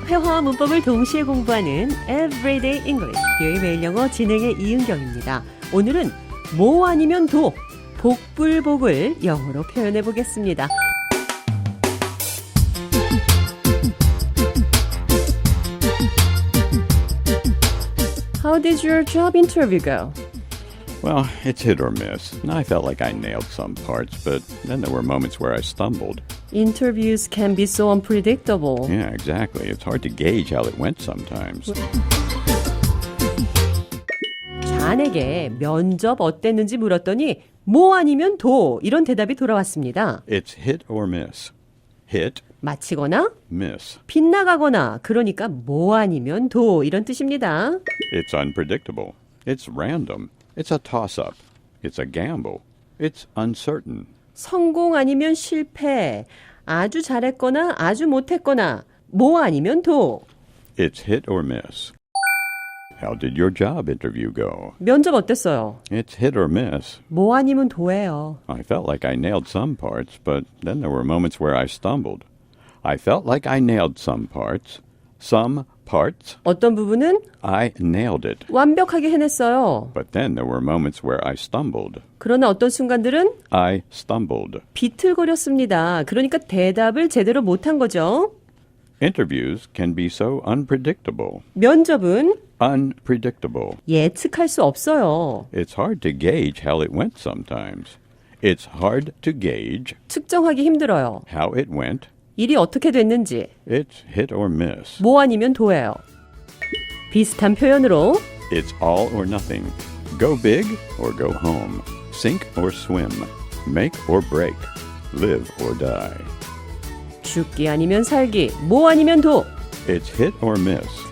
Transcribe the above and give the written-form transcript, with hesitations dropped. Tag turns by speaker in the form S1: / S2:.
S1: 회화와 문법을 동시에 공부하는 Everyday English, 뷰의 매일 영어 진행의 이은경입니다. 오늘은 뭐 아니면 도, 복불복을 영어로 표현해 보겠습니다. How did your job interview go?
S2: Well, it's hit or miss. I felt like I nailed some parts, but then there were moments where I stumbled.
S1: Interviews can be so unpredictable.
S2: Yeah, exactly. It's hard to gauge how it went sometimes.
S1: 잔에게 면접 어땠는지 물었더니 뭐 아니면 도 이런 대답이 돌아왔습니다.
S2: It's hit or miss. Hit,
S1: 마치거나
S2: miss.
S1: 빗나가거나 그러니까 뭐 아니면 도 이런 뜻입니다.
S2: It's unpredictable. It's random. It's a toss-up. It's a gamble. It's uncertain.
S1: 성공 아니면 실패, 아주 잘했거나 아주 못했거나 뭐 아니면 도.
S2: It's hit or miss. How did your job interview go?
S1: 면접 어땠어요?
S2: It's hit or miss.
S1: 뭐 아니면 도예요.
S2: I felt like I nailed some parts, but then there were moments where I stumbled. I felt like I nailed some parts. Some parts,
S1: 어떤 부분은
S2: I nailed it.
S1: 완벽하게 해냈어요.
S2: But then there were moments where I stumbled.
S1: 그러나 어떤 순간들은
S2: I stumbled.
S1: 비틀거렸습니다. 그러니까 대답을 제대로 못한 거죠.
S2: Interviews can be so unpredictable.
S1: 면접은
S2: Unpredictable.
S1: 예측할 수 없어요.
S2: It's hard to gauge how it went sometimes. It's hard to gauge
S1: 측정하기 힘들어요.
S2: how it went.
S1: 일이 어떻게 됐는지
S2: It's hit or miss.
S1: 뭐 아니면 도예요. 비슷한 표현으로
S2: It's all or nothing. Go big or go home. Sink or swim. Make or break. Live or die.
S1: 죽기 아니면 살기, 뭐 아니면 도.
S2: It's hit or miss.